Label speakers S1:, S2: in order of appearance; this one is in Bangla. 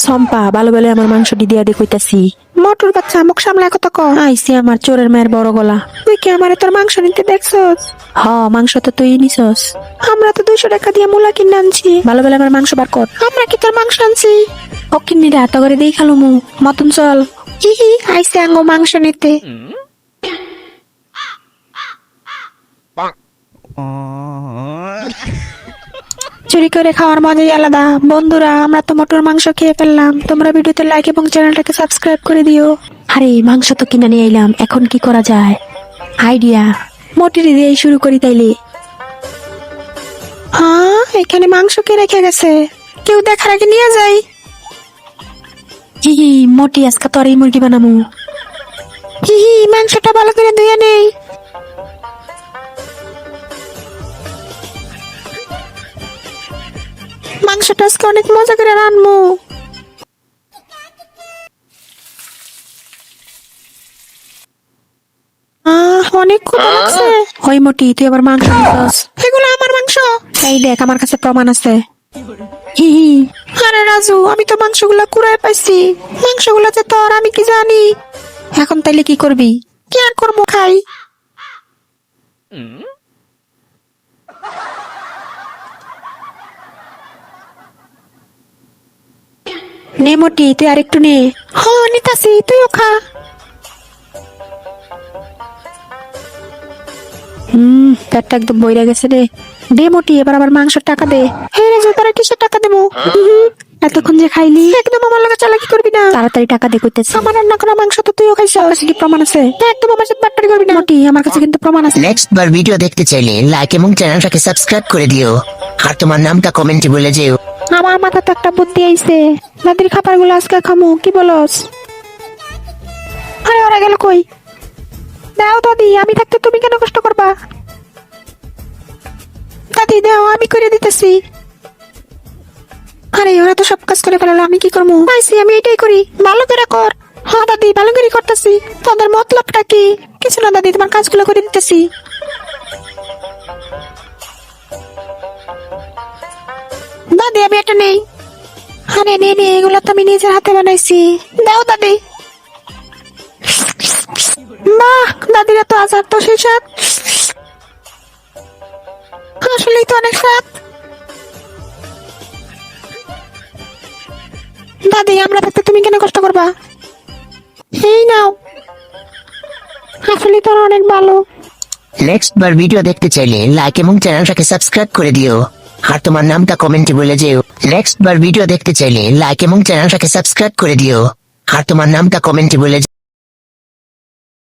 S1: সম্পা ভালো বলে আমার মাংসটি দিয়া দিয়ে কইতাছি।
S2: মোটর বাচ্চা মুখ সামলায় কত ক।
S1: আইসি আমার চোরের মায়ের বড় গলা।
S2: তুই কি আমারে তোর মাংস নিতে দেখছস?
S1: হ, মাংস তো তুই নিছস।
S2: আমরা তো 200 টাকা দিয়ে মূলা কিনে আনছি।
S1: ভালো বলে আমার মাংস বার কর।
S2: আমরা কি তোর মাংস আনছি?
S1: অকিন্নিরা হাত করে দেই খালো মু মতন চল।
S2: ইহি আইসে আঙ্গো মাংস নিতে। চুরি করে খাওয়ার মজাই আলাদা। বন্ধুরা, আমরা তো মোটর মাংস খেয়ে ফেললাম। তোমরা ভিডিওতে লাইক এবং চ্যানেলটাকে সাবস্ক্রাইব করে দিও।
S1: আরে মাংস তো কিনে নিয়ে এলাম, এখন কি করা যায়? আইডিয়া, মোটিরি দিয়ে শুরু করি তাইলে।
S2: হ্যাঁ, এখানে মাংস কে রেখে গেছে? কেউ দেখার আগে নিয়ে যাই।
S1: হিহি, মোটি আজকে তো আর এই মুরগি বানামু।
S2: হিহি, মাংসটা ভালো করে ধুয়ে নেই। মাংসটা আজকে অনেক মজা করে রান্নু। অনেক ক্ষুধা লাগছে।
S1: ওই মোটি, তুই আবার মাংস নিছস?
S2: এগুলো আমার মাংস।
S1: এই দেখ, আমার কাছে প্রমাণ আছে। হিহি,
S2: আরে রাজু, আমি তো মাংসগুলা কুড়ায় পাইছি। মাংসগুলা যে তোর, আমি কি জানি।
S1: এখন তাইলে কি করবি?
S2: কি আর করবো, খাই।
S1: নে মোটি, তুই আরেকটু নে।
S2: হ্যাঁ, নিতাছি, তুইও খা।
S1: পেটটা একদম বইরা গেছে রে। দে মোটি, এবার আবার মাংসের টাকা দে।
S2: হ্যাঁ রাজু, তোরা কিসের টাকা দেবো?
S1: এতক্ষণ যে খাইলি,
S2: একদম আমার লগে চালাকি করবি না।
S1: তাড়াতাড়ি টাকা দে কইতেছি।
S2: আমার রান্না করা মাংস তো তুইও খাইছ।
S1: আমার কাছে কি প্রমাণ আছে?
S2: একদম আমার সাথে বাট্টারি করবি না।
S1: মোটি, আমার কাছে কিন্তু প্রমাণ আছে।
S3: নেক্সট বার ভিডিও দেখতে চাইলে লাইক এবং চ্যানেলটাকে সাবস্ক্রাইব করে দিও আর তোমার নামটা কমেন্টে বলে যেও।
S2: আমার মাথাতে একটা বুদ্ধি আইছে। দাদির খাবার গুলো আজকে খামু, কি বলস? আরে ওরা গেল কই? দাও দাদি, আমি থাকতে তুমি কেন কষ্ট করবা? দাদি দাও, আমি করে দিতেছি। আরে ওরা তো সব কাজ করে ফেলালো, আমি কি করবো? পাইছি, আমি এটাই করি। ভালো করে কর। হ্যাঁ দাদি, ভালো করে করতেছি। তোদের মতলবটা কি? কিছু না দাদি, তোমার কাজগুলো করে দিতেছি। দাদি, আমি এটা নেই। আরে নে নে, এগুলো তো আমি নিজের হাতে বানাইছি। দাও দাদি। বাহ, দাদিরা তো আচার তো সেই স্বাদ। আসলেই তো অনেক স্বাদ। দাদি, আমরা থাকতে তুমি কেন কষ্ট করবা? এই নাও। আসলেই তো অনেক ভালো।
S3: নেক্সট বার ভিডিও দেখতে চাইলে লাইক এবং চ্যানেলটাকে সাবস্ক্রাইব করে দিও আর তোমার নামটা কমেন্টে বলে যেও। নেক্সট বার ভিডিও দেখতে চাইলে লাইক এবং চ্যানেলটাকে সাবস্ক্রাইব করে দিও আর তোমার নামটা কমেন্টে বলে